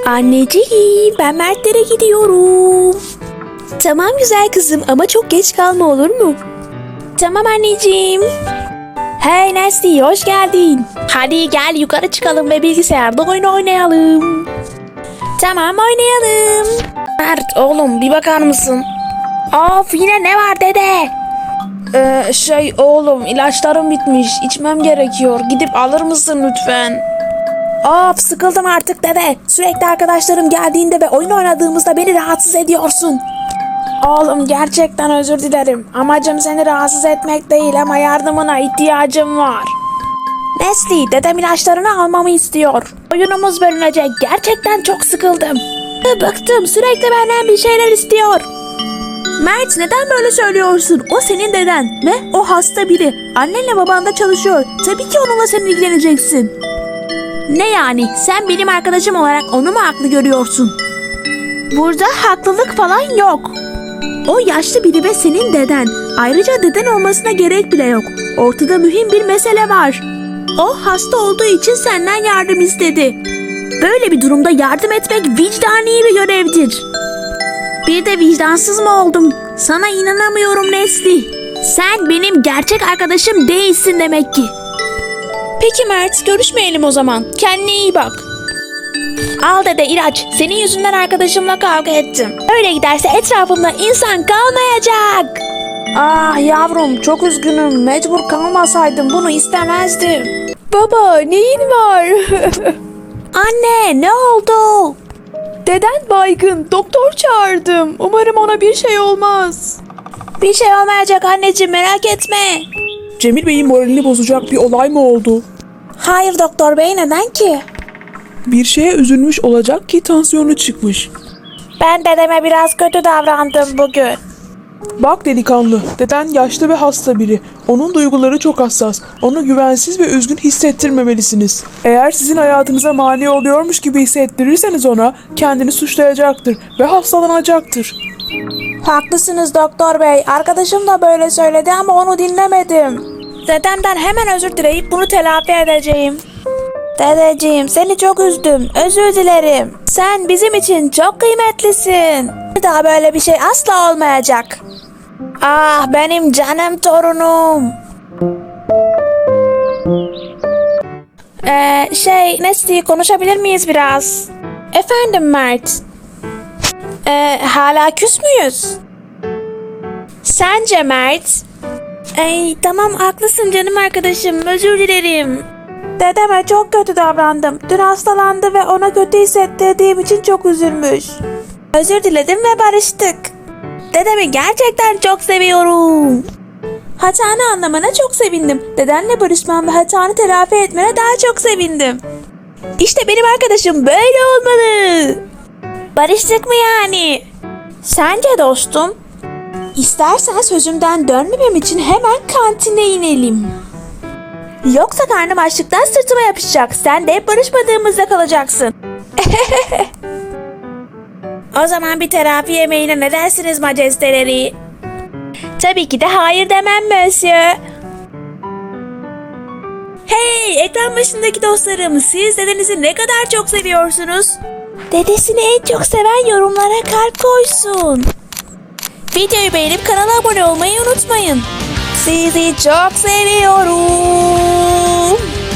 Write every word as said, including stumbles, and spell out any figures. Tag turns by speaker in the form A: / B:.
A: Anneciğim, ben Mertlere gidiyorum. Tamam güzel kızım ama çok geç kalma, olur mu? Tamam anneciğim. Hey Nesli, hoş geldin. Hadi gel yukarı çıkalım ve bilgisayarda oyun oynayalım. Tamam, oynayalım. Mert oğlum, bir bakar mısın? Of, yine ne var dede? Ee, şey oğlum, ilaçlarım bitmiş, içmem gerekiyor, gidip alır mısın lütfen? Of, sıkıldım artık dede. Sürekli arkadaşlarım geldiğinde ve oyun oynadığımızda beni rahatsız ediyorsun. Oğlum, gerçekten özür dilerim. Amacım seni rahatsız etmek değil ama yardımına ihtiyacım var. Nesli, dedem ilaçlarını almamı istiyor. Oyunumuz bölünecek. Gerçekten çok sıkıldım. Bıktım, sürekli benden bir şeyler istiyor. Mert, neden böyle söylüyorsun? O senin deden ve o hasta biri. Annenle baban da çalışıyor. Tabii ki onunla sen ilgileneceksin. Ne yani? Sen benim arkadaşım olarak onu mu haklı görüyorsun? Burada haklılık falan yok. O yaşlı biri ve senin deden. Ayrıca deden olmasına gerek bile yok. Ortada mühim bir mesele var. O hasta olduğu için senden yardım istedi. Böyle bir durumda yardım etmek vicdani bir görevdir. Bir de vicdansız mı oldum? Sana inanamıyorum Nesli. Sen benim gerçek arkadaşım değilsin demek ki. Peki Mert, görüşmeyelim o zaman. Kendine iyi bak. Al dede ilaç. Senin yüzünden arkadaşımla kavga ettim. Öyle giderse etrafımda insan kalmayacak. Ah yavrum, çok üzgünüm. Mecbur kalmasaydım bunu istemezdim. Baba, neyin var? Anne, ne oldu? Deden baygın. Doktor çağırdım. Umarım ona bir şey olmaz. Bir şey olmayacak anneciğim, merak etme.
B: Cemil Bey'in moralini bozacak bir olay mı oldu?
A: Hayır doktor bey, neden ki?
B: Bir şeye üzülmüş olacak ki tansiyonu çıkmış.
A: Ben dedeme biraz kötü davrandım bugün.
B: Bak delikanlı, deden yaşlı ve hasta biri. Onun duyguları çok hassas. Onu güvensiz ve üzgün hissettirmemelisiniz. Eğer sizin hayatınıza mani oluyormuş gibi hissettirirseniz ona, kendini suçlayacaktır ve hastalanacaktır.
A: Haklısınız doktor bey. Arkadaşım da böyle söyledi ama onu dinlemedim. Dedemden hemen özür dileyip bunu telafi edeceğim. Dedeciğim, seni çok üzdüm. Özür dilerim. Sen bizim için çok kıymetlisin. Bir daha böyle bir şey asla olmayacak. Ah benim canım torunum. Ee, şey Nesli, konuşabilir miyiz biraz? Efendim Mert. Ee, hala küs müyüz? Sence Mert? Ay tamam, haklısın canım arkadaşım, özür dilerim. Dedeme çok kötü davrandım. Dün hastalandı ve ona kötü hissettirdiğim için çok üzülmüş. Özür diledim ve barıştık. Dedemi gerçekten çok seviyorum. Hatanı anlamana çok sevindim. Dedenle barışman ve hatanı telafi etmene daha çok sevindim. İşte benim arkadaşım böyle olmalı. Barıştık mı yani? Sence dostum? İstersen sözümden dönmemem için hemen kantine inelim. Yoksa karnım açlıktan sırtıma yapışacak. Sen de hep barışmadığımızda kalacaksın. O zaman bir terapi yemeğine ne dersiniz majesteleri? Tabii ki de hayır demem monsieur. Hey ekran başındaki dostlarım, siz dedenizi ne kadar çok seviyorsunuz? Dedesini en çok seven yorumlara kalp koysun. Videoyu beğenip kanala abone olmayı unutmayın. Sizi çok seviyorum.